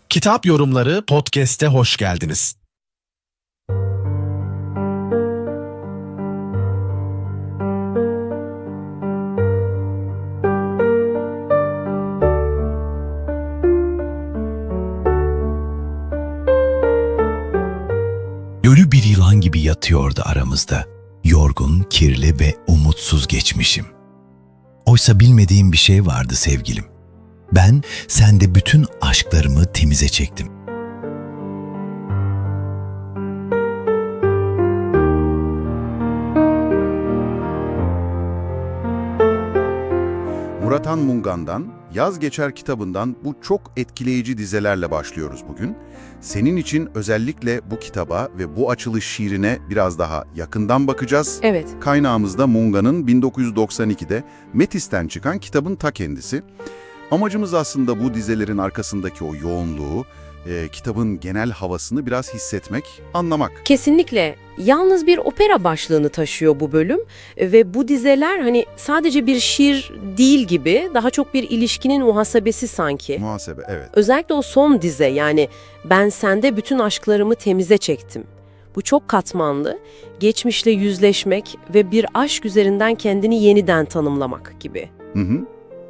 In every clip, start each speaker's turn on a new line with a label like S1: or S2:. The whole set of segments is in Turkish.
S1: Kitap Yorumları Podcast'e hoş geldiniz.
S2: Ölü bir yılan gibi yatıyordu aramızda. Yorgun, kirli ve umutsuz geçmişim. Oysa bilmediğim bir şey vardı sevgilim. Ben sende bütün aşklarımı temize çektim.
S3: Murat Han Mungan'dan, Yaz Geçer kitabından bu çok etkileyici dizelerle başlıyoruz bugün. Senin için özellikle bu kitaba ve bu açılış şiirine biraz daha yakından bakacağız.
S4: Evet.
S3: Kaynağımızda Mungan'ın 1992'de Metis'ten çıkan kitabın ta kendisi. Amacımız aslında bu dizelerin arkasındaki o yoğunluğu, kitabın genel havasını biraz hissetmek, anlamak.
S4: Kesinlikle. Yalnız bir opera başlığını taşıyor bu bölüm ve bu dizeler hani sadece bir şiir değil gibi, daha çok bir ilişkinin muhasebesi sanki.
S3: Muhasebe, evet.
S4: Özellikle o son dize, yani ben sende bütün aşklarımı temize çektim. Bu çok katmanlı, geçmişle yüzleşmek ve bir aşk üzerinden kendini yeniden tanımlamak gibi.
S3: Hı hı.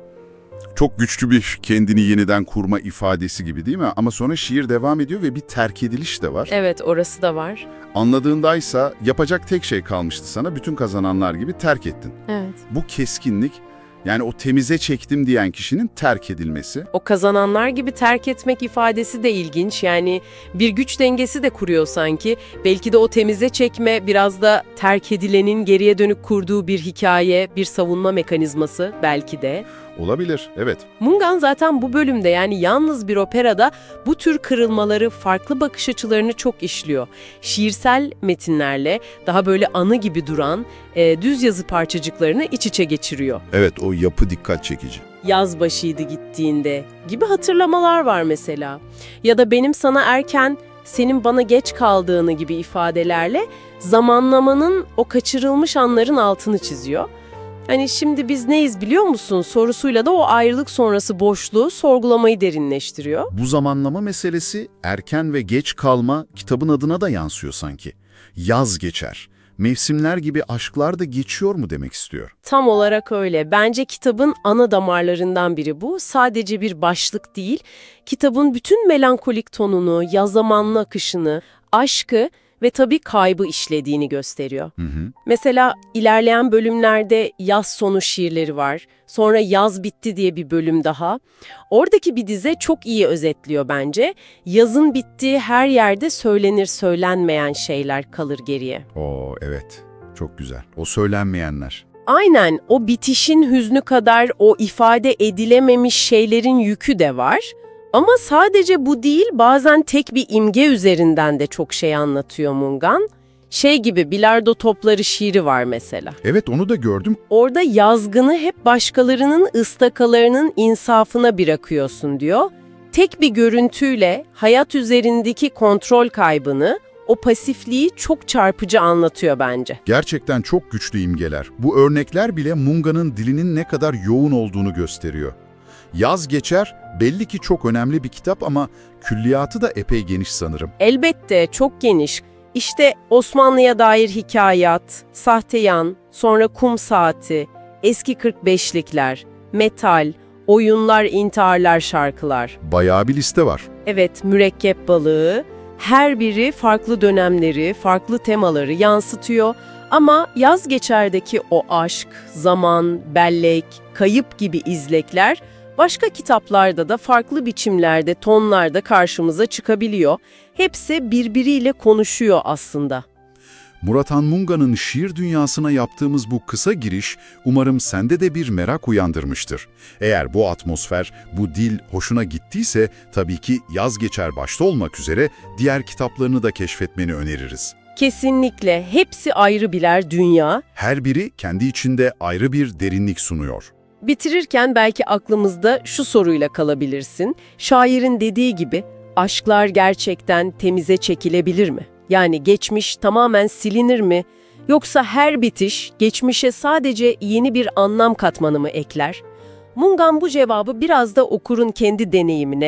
S3: Çok güçlü bir kendini yeniden kurma ifadesi gibi değil mi? Ama sonra şiir devam ediyor ve bir terk ediliş de var.
S4: Evet, orası da var.
S3: Anladığındaysa yapacak tek şey kalmıştı sana, bütün kazananlar gibi terk ettin.
S4: Evet.
S3: Bu keskinlik, yani o temize çektim diyen kişinin terk edilmesi.
S4: O kazananlar gibi terk etmek ifadesi de ilginç. Yani bir güç dengesi de kuruyor sanki. Belki de o temize çekme biraz da terk edilenin geriye dönük kurduğu bir hikaye, bir savunma mekanizması belki de.
S3: Olabilir, evet.
S4: Mungan zaten bu bölümde, yani yalnız bir operada bu tür kırılmaları, farklı bakış açılarını çok işliyor. Şiirsel metinlerle daha böyle anı gibi duran düz yazı parçacıklarını iç içe geçiriyor.
S3: Evet, o yapı dikkat çekici.
S4: Yaz başıydı gittiğinde gibi hatırlamalar var mesela. Ya da benim sana erken, senin bana geç kaldığını gibi ifadelerle zamanlamanın o kaçırılmış anların altını çiziyor. Hani şimdi biz neyiz biliyor musun sorusuyla da o ayrılık sonrası boşluğu sorgulamayı derinleştiriyor.
S3: Bu zamanlama meselesi erken ve geç kalma kitabın adına da yansıyor sanki. Yaz geçer. Mevsimler gibi aşklar da geçiyor mu demek istiyor.
S4: Tam olarak öyle. Bence kitabın ana damarlarından biri bu. Sadece bir başlık değil, kitabın bütün melankolik tonunu, yaz zamanlı akışını, aşkı ve tabii kaybı işlediğini gösteriyor. Mesela ilerleyen bölümlerde yaz sonu şiirleri var. Sonra yaz bitti diye bir bölüm daha. Oradaki bir dize çok iyi özetliyor bence. Yazın bittiği her yerde söylenir söylenmeyen şeyler kalır geriye.
S3: Oo, evet. Çok güzel. O söylenmeyenler.
S4: Aynen, o bitişin hüznü kadar o ifade edilememiş şeylerin yükü de var. Ama sadece bu değil, bazen tek bir imge üzerinden de çok şey anlatıyor Mungan. Şey gibi, bilardo topları şiiri var mesela.
S3: Evet, onu da gördüm.
S4: Orada yazgını hep başkalarının ıstakalarının insafına bırakıyorsun diyor. Tek bir görüntüyle hayat üzerindeki kontrol kaybını, o pasifliği çok çarpıcı anlatıyor bence.
S3: Gerçekten çok güçlü imgeler. Bu örnekler bile Mungan'ın dilinin ne kadar yoğun olduğunu gösteriyor. Yaz Geçer belli ki çok önemli bir kitap ama külliyatı da epey geniş sanırım.
S4: Elbette çok geniş. İşte Osmanlı'ya dair hikayat, Sahteyan, sonra Kum Saati, eski 45'likler, metal, oyunlar, intiharlar, şarkılar.
S3: Bayağı bir liste var.
S4: Evet, mürekkep balığı. Her biri farklı dönemleri, farklı temaları yansıtıyor. Ama Yaz Geçer'deki o aşk, zaman, bellek, kayıp gibi izlekler başka kitaplarda da farklı biçimlerde, tonlarda karşımıza çıkabiliyor. Hepsi birbiriyle konuşuyor aslında.
S3: Murat Han Mungan'ın şiir dünyasına yaptığımız bu kısa giriş umarım sende de bir merak uyandırmıştır. Eğer bu atmosfer, bu dil hoşuna gittiyse tabii ki Yaz Geçer başta olmak üzere diğer kitaplarını da keşfetmeni öneririz.
S4: Kesinlikle hepsi ayrı birer dünya.
S3: Her biri kendi içinde ayrı bir derinlik sunuyor.
S4: Bitirirken belki aklımızda şu soruyla kalabilirsin. Şairin dediği gibi aşklar gerçekten temize çekilebilir mi? Yani geçmiş tamamen silinir mi? Yoksa her bitiş geçmişe sadece yeni bir anlam katmanı mı ekler? Mungan bu cevabı biraz da okurun kendi deneyimine,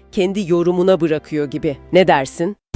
S4: kendi yorumuna bırakıyor gibi. Ne dersin?